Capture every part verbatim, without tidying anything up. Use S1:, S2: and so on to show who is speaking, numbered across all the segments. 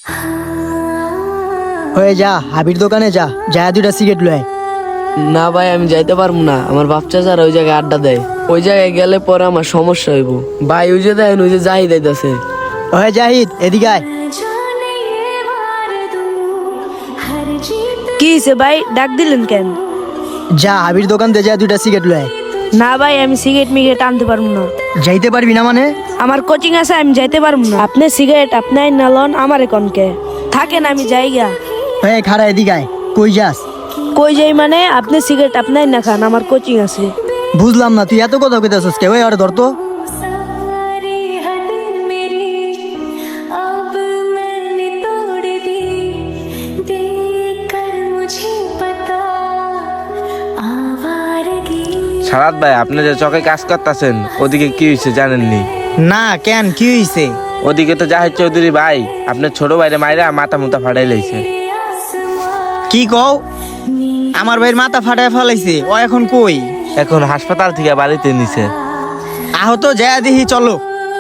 S1: হয়ে যা হাবির দোকানে যা যা দুইটা সিগারেট লয়।
S2: না ভাই আমি যাইতে পারবো না, আমার বাপ চাচারা ওই জায়গায় আড্ডা দেয়, ওই জায়গায় গেলে পরে আমার সমস্যা হইব। ভাই ওই যে দেখেন ওই যে জাহিদ আইতাছে।
S1: ওহে জাহিদ এদিকে আয়।
S3: কি হয়েছে ভাই, ডাক দিলেন কেন?
S1: যা হাবির দোকান দে যা দুইটা সিগারেট লয়।
S3: না ভাই আমি সিগারেট মিগারেট আনতে পারবো না।
S1: যাইতে পারবি না মানে?
S3: আমার কোচিং আছে, আমি যাইতে পারবো না। আপনি সিগারেট আপনি না লন, আমারে কনকে থাকেন, আমি যাইগা।
S1: হয়ে খাড়া এদিকে আয়। কই যাস?
S3: কই যাই মানে আপনি সিগারেট আপনি না খান, আমার কোচিং আছে।
S1: বুঝলাম না তুই এত কথা কইতাছস কে? ওই আর ধর তো।
S4: सारी हद मेरी अब मैंने तोड़ दी, देख कर मुझे पता आवारगी।
S5: সারাত ভাই, আপনি যে চকে কাজ করতেছেন ওদিকে কি হয়েছে জানেননি?
S1: না কেন কি হইছে?
S5: ওদিকে তো জাহিদ চৌধুরী ভাই আপনার ছোট ভাইরে মাইরা মাথা মুথা ফাটাই লাইছে।
S1: কি কও? আমার ভাইয়ের মাথা ফাটায় ফেলাইছে, ও এখন কই?
S5: এখন হাসপাতাল থেকে বাড়িতে নিছে।
S1: আহত যা দেখি চলো।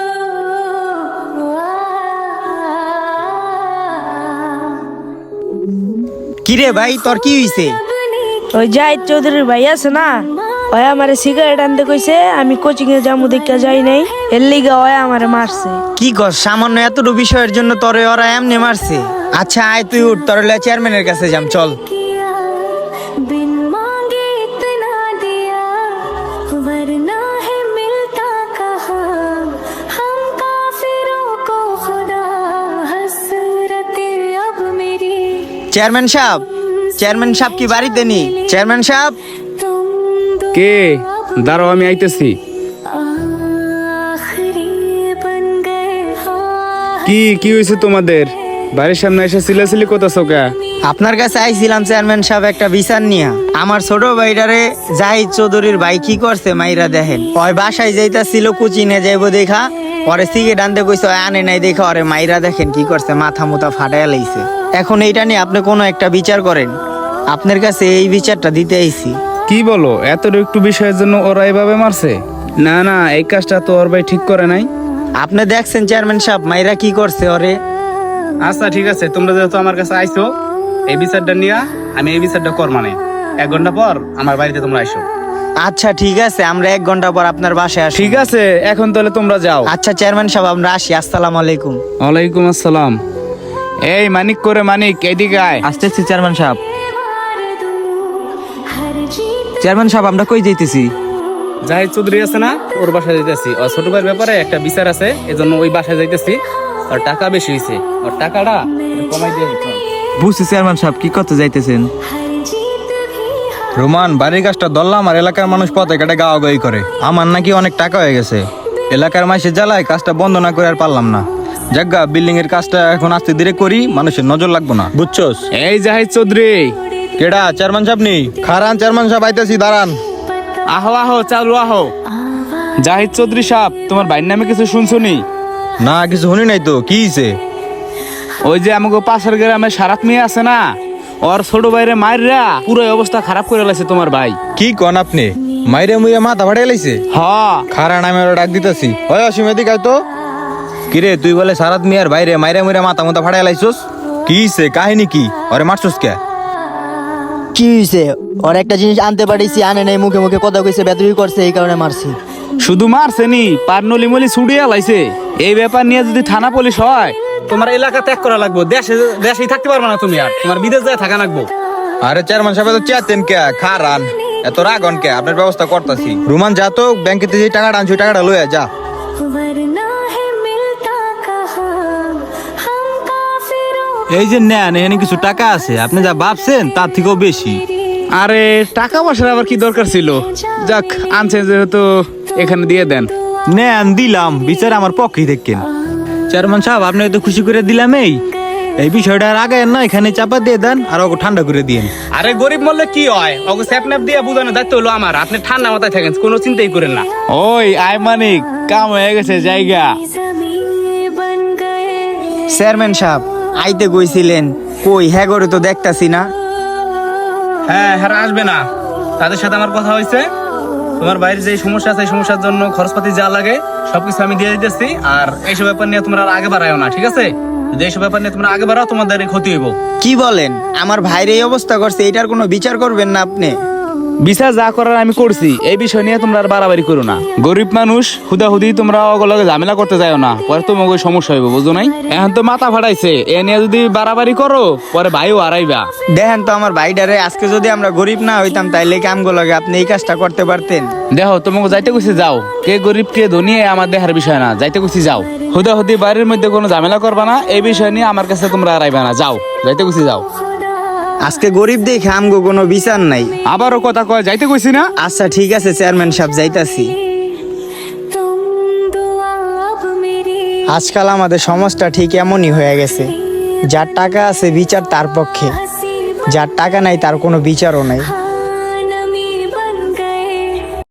S1: কিরে ভাই তোর কি হইছে?
S3: ওই জাহিদ চৌধুরীর ভাই আছে না, ওই আমারে সিগারেট আনতে কইছে, আমি কোচিং এ যাবো দেখা যাই নাই, এর লিগা ওই আমারে মারছে।
S1: কি কর? সামান্য এতটুকু বিষয়ের জন্য তোরে ওরা এমনি মারছে? আচ্ছা আয় তুই উঠ, তোর লে চেয়ারম্যানের কাছে যাম চল।
S4: किया बिन मांगे इतना दिया, वरना है मिलता कहा हम काफिरों को खुदा, हसरत अब मेरी
S1: চেয়ারম্যান সাহেব, চেয়ারম্যান সাহেব কি বাড়িতে নি? চেয়ারম্যান সাহেব
S4: तुम दो
S6: কে? দাঁড়াও আমি আইতেছি।
S4: आखिरी बन गए हाँ।
S6: কি কি হয়েছে তোমাদের? বাড়ির সামনে এসে সিলাসিলি করতেছো কে?
S1: আপনার কাছে আইছিলাম চেয়ারম্যান সাহেব একটা বিচার নিয়া। আমার ছোট ভাইটারে জাহিদ চৌধুরীর ভাই কি করছে মাইরা দেখেন। ওই বাসায় যাইতাছিল কোচিনে যাইবো দেখা, পরে সিগারেট আনতে কইছে, ওই আনে নাই দেখা ওরে মাইরা দেখেন কি করছে, মাথা মুথা ফাটাইয়া লাইছে। এখন এইটা নিয়ে আপনি কোনো একটা বিচার করেন, আপনার কাছে এই বিচারটা দিতে আইছি।
S6: কি বলো, এত একটু বিষয়ের জন্য ওরা এভাবে মারছে? না না, এই কাজটা তো ওর ভাই ঠিক করে নাই।
S1: আপনি দেখছেন চেয়ারম্যান সাহেব মাইরা কি করছে ওরে।
S6: আচ্ছা ঠিক আছে, তোমরা যেহেতু আমার কাছে আইছো এই বিচারটা নিয়ে, আমি এই বিচারটা কর মানে এক ঘন্টা পর আমার বাড়িতে তোমরা আইসো।
S1: আচ্ছা ঠিক আছে, আমরা এক ঘন্টা পর আপনার বাসায় আসি।
S6: ঠিক আছে, এখন তাহলে তোমরা যাও।
S1: আচ্ছা চেয়ারম্যান সাহেব আমরা আসি, আসসালামু আলাইকুম।
S6: ওয়ালাইকুম আসসালাম। এই মানিক করে মানিক, এদিকে আয়।
S7: আসতেছি চেয়ারম্যান সাহেব।
S4: हर जीत
S7: চেয়ারম্যান সাহেব আমরা কই যাইতেছি?
S6: জাহিদ চৌধুরী আছে না, ওর বাসায় যাইতেছি। ওর ছোট ভাইয়ের ব্যাপারে একটা বিচার আছে, এজন্য ওই বাসায় যাইতেছি। ওর টাকা বেশি হয়েছে, ওর টাকাটা একটু কমাই দিয়ে দিতে হবে।
S7: বুঝছি চেয়ারম্যান সাহেব, কি করতে যাইতেছেন?
S4: हर जीत भी
S8: রোমান, বাড়ির কাজটা ধরলাম আর এলাকার মানুষ পথে কেটে গাওয়াগাই করে। আমার নাকি অনেক টাকা হয়ে গেছে, এলাকার মাসে জ্বালায় কাজটা বন্ধ না করে আর পারলাম না। জাগা বিল্ডিং এর কাজটা এখন আস্তে ধীরে করি, মানুষের নজর লাগবো না, বুঝছস?
S6: এই জাহিদ চৌধুরী,
S8: কেডা? চেয়ারম্যান সাহেব নি? খারান চেয়ারম্যান সাহেব আইতাছি, দাঁড়ান।
S6: আহো আহো, চালু আহো। জাহিদ চৌধুরী সাহেব, তোমার ভাইয়ের নামে কিছু শুনছো নি?
S8: না কিছু শুনি নাই তো, কি হইছে?
S6: ওই যে আমাকে পাশের গ্রামে সারাত মেয়ে আছে না, ওর ছোট ভাইরে মাইরা পুরো অবস্থা খারাপ করে লাইছে তোমার ভাই।
S8: কি কন আপনি? মাইরে মুইরে মাথা ফাটাই লাইছে?
S6: হ,
S8: খারান আমি ওরা ডাক দিতেছি। ওই অসীম এদিকে আয় তো। কিরে তুই বলে সারাত মিয়ার বাইরে মাইরে মুইরে মাথা মুথা ফাটাই লাইছস? কি হইছে? কাহিনী কি? ওরে মারছস কে?
S1: কি হইছে? ওর একটা জিনিস আনতে পারিছি, আনে নাই, মুখে মুখে কথা কইছে, বেদবি করছে, এই কারণে মারছি।
S6: শুধু মারছে নি, পারনলি মলি ছুড়িয়া লাইছে। এই ব্যাপার নিয়ে যদি থানা পুলিশ হয়, তোমার এলাকা ত্যাগ করা লাগবে, দেশে দেশেই থাকতে পারবে না তুমি, আর তোমার বিদেশ যায় থাকা লাগবো।
S8: আরে চেয়ারম্যান সাহেব তো চেয়ারতেন কে? খারান এত রাগন কে? আপনার ব্যবস্থা করতেছি। রুমান যা তো, ব্যাংকেতে যে টাকাটা আনছি ওই টাকাটা লইয়া যা।
S4: वरना है मिलता कहा हम काफिरों
S7: এই যে নেন, এখানে কিছু টাকা আছে, আপনি যা ভাবছেন তার থেকেও বেশি।
S6: আরে টাকা পয়সার আবার কি দরকার ছিল? যাক, আনছে যেহেতু এখানে দিয়ে দেন।
S7: নেন দিলাম, বিচার আমার পক্ষেই দেখেন। চেয়ারম্যান সাহেব আপনাকে তো খুশি করে দিলাম। এই এই বিষয়টা আর আগে না, এখানে চাপা দিয়ে দেন আর ওকে ঠান্ডা করে দিন।
S6: আরে গরিব মরলে কি হয়, ওকে স্যাপন্যাপ দিয়ে বুঝানোর দায়িত্ব হলো আমার। আপনি ঠান্ডা মাথায় থাকেন, কোনো চিন্তাই করেন না। ওই আয় মানিক, কাম হয়ে গেছে জায়গা।
S4: ज़मीं बन गए।
S1: চেয়ারম্যান সাহেব আইতে কইছিলেন, কই হ্যাঁ করে তো দেখতাছি না।
S6: হ্যাঁ হ্যাঁ, আসবে না, তাদের সাথে আমার কথা হয়েছে। তোমার বাইরে যে সমস্যা আছে, এই সমস্যার জন্য খরচপাতি যা লাগে সবকিছু আমি দিয়ে দিতেছি। আর এইসব ব্যাপার নিয়ে তোমরা আর আগে বাড়ায়ও না, ঠিক আছে? যদি এইসব ব্যাপার নিয়ে তোমরা আগে বাড়াও তোমাদের ক্ষতি হইব।
S1: কি বলেন? আমার ভাইয়ের এই অবস্থা করছে, এটার কোনো বিচার করবেন না আপনি?
S6: বিচার যা করার আমি করছি, এই বিষয় নিয়ে তোমরা আর বাড়াবাড়ি করো না। গরিব মানুষ হুদাহুদি তোমরা ওগুলোকে ঝামেলা করতে যাও না, পরে তোমাকে সমস্যা হইব, বুঝো নাই? এখন তো মাথা ফাটাইছে, এ নিয়ে যদি বাড়াবাড়ি করো পরে ভাইও হারাইবা।
S1: দেখেন তো আমার ভাইটারে, আজকে যদি আমরা গরিব না হইতাম তাইলে কামগুলোকে আপনি এই কাজটা করতে পারতেন।
S6: দেখো তোমাকে যাইতে কইছি যাও, কে গরিব কে ধনী এ আমার দেখার বিষয় না, যাইতে কইছি যাও। হুদাহুদি বাড়ির মধ্যে কোনো ঝামেলা করবা না, এই বিষয় নিয়ে আমার কাছে তোমরা হারাইবা না, যাও, যাইতে কইছি যাও।
S1: আজকে গরিব দেখে আমগো কোনো বিচার নাই।
S6: আবারও কথা কয়, যাইতে কইছি না?
S1: আচ্ছা ঠিক আছে চেয়ারম্যান সাহেব, যাইতাছি।
S4: तुम दुआ अब मेरी
S1: আজকাল আমাদের সমাজটা ঠিক এমনই হয়ে গেছে, যার টাকা আছে বিচার তার পক্ষে, যার টাকা নাই তার কোনো বিচারও নাই।